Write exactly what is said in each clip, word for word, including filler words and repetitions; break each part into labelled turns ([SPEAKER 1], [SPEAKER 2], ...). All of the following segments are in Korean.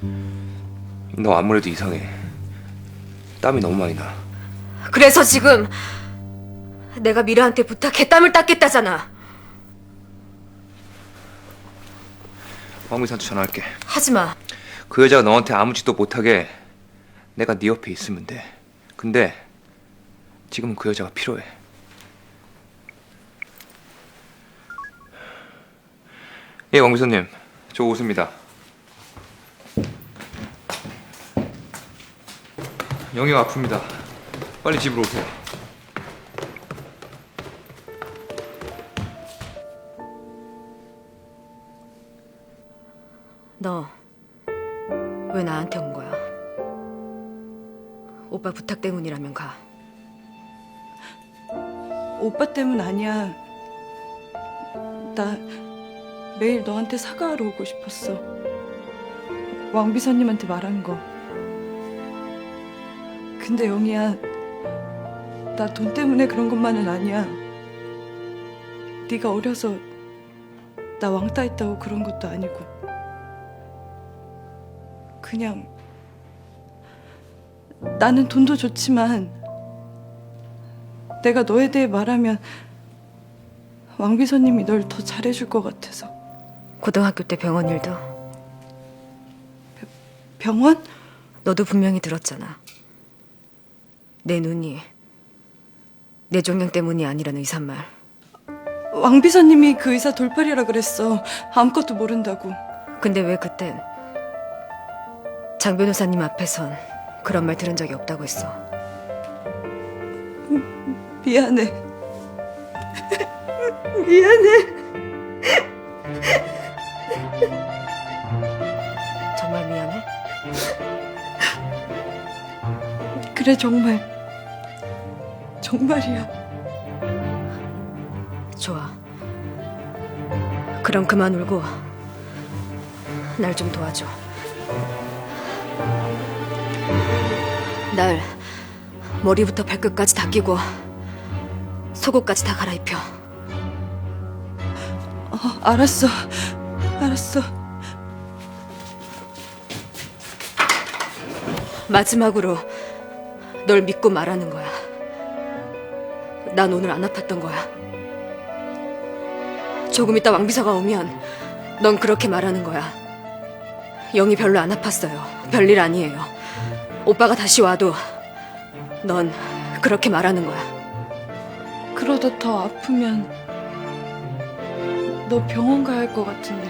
[SPEAKER 1] 너 아무래도 이상해. 땀이 너무 많이 나.
[SPEAKER 2] 그래서 지금 내가 미라한테 부탁해 땀을 닦겠다잖아.
[SPEAKER 1] 황미선한테 전화할게.
[SPEAKER 2] 하지마.
[SPEAKER 1] 그 여자가 너한테 아무 짓도 못하게 내가 네 옆에 있으면 돼. 근데 지금은 그 여자가 필요해. 예, 왕비서님. 저 오수입니다. 영희가 아픕니다. 빨리 집으로 오세요.
[SPEAKER 2] 너 왜 나한테 온 거야? 오빠 부탁 때문이라면 가.
[SPEAKER 3] 오빠 때문 아니야. 나 매일 너한테 사과하러 오고 싶었어. 왕비서님한테 말한 거. 근데 영희야, 나 돈 때문에 그런 것만은 아니야. 네가 어려서 나 왕따 했다고 그런 것도 아니고. 그냥 나는 돈도 좋지만 내가 너에 대해 말하면 왕비서님이 널 더 잘해줄 것 같아서.
[SPEAKER 2] 고등학교 때 병원 일도
[SPEAKER 3] 병원?
[SPEAKER 2] 너도 분명히 들었잖아. 내 눈이 뇌종양 때문이 아니라는 의사 말.
[SPEAKER 3] 왕비서님이 그 의사 돌팔이라 그랬어. 아무것도 모른다고.
[SPEAKER 2] 근데 왜 그땐 장 변호사님 앞에선 그런 말 들은 적이 없다고 했어?
[SPEAKER 3] 미안해. 미안해.
[SPEAKER 2] 정말 미안해?
[SPEAKER 3] 그래, 정말. 정말이야.
[SPEAKER 2] 좋아. 그럼 그만 울고 날 좀 도와줘. 날 머리부터 발끝까지 다 끼고 속옷까지 다 갈아입혀.
[SPEAKER 3] 어, 알았어. 알았어.
[SPEAKER 2] 마지막으로 널 믿고 말하는 거야. 난 오늘 안 아팠던 거야. 조금 있다 왕비서가 오면 넌 그렇게 말하는 거야. 영이 별로 안 아팠어요. 별일 아니에요. 오빠가 다시 와도 넌 그렇게 말하는 거야.
[SPEAKER 3] 그러다 더 아프면 너 병원 가야 할 것 같은데.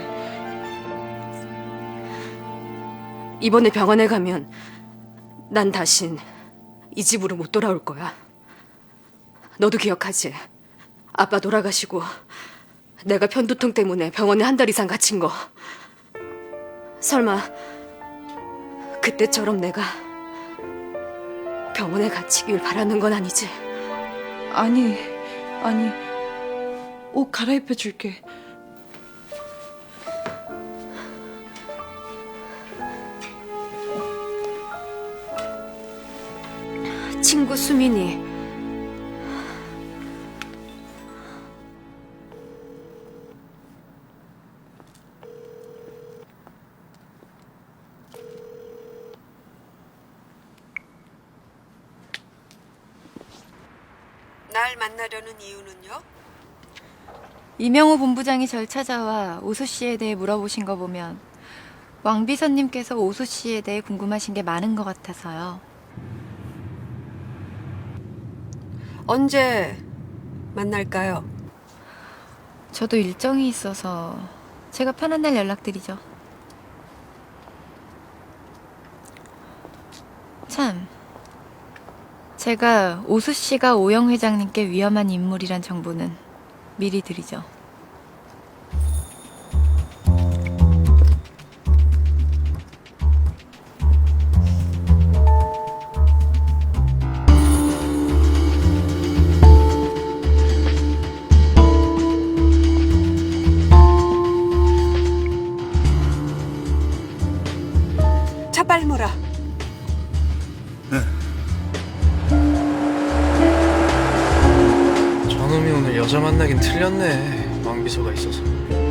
[SPEAKER 2] 이번에 병원에 가면 난 다신 이 집으로 못 돌아올 거야. 너도 기억하지? 아빠 돌아가시고 내가 편두통 때문에 병원에 한 달 이상 갇힌 거. 설마 그때처럼 내가 병원에 갇히길 바라는 건 아니지?
[SPEAKER 3] 아니, 아니. 옷 갈아입혀 줄게.
[SPEAKER 2] 친구 수민이
[SPEAKER 4] 날 만나려는 이유는요?
[SPEAKER 5] 이명호 본부장이 절 찾아와 오수 씨에 대해 물어보신 거 보면 왕 비서님께서 오수 씨에 대해 궁금하신 게 많은 것 같아서요.
[SPEAKER 4] 언제 만날까요?
[SPEAKER 5] 저도 일정이 있어서 제가 편한 날 연락드리죠. 참, 제가 오수 씨가 오영 회장님께 위험한 인물이란 정보는 미리 드리죠.
[SPEAKER 4] 차 빨리 몰아.
[SPEAKER 6] 저놈이 오늘 여자 만나긴 틀렸네. 왕비서가 있어서.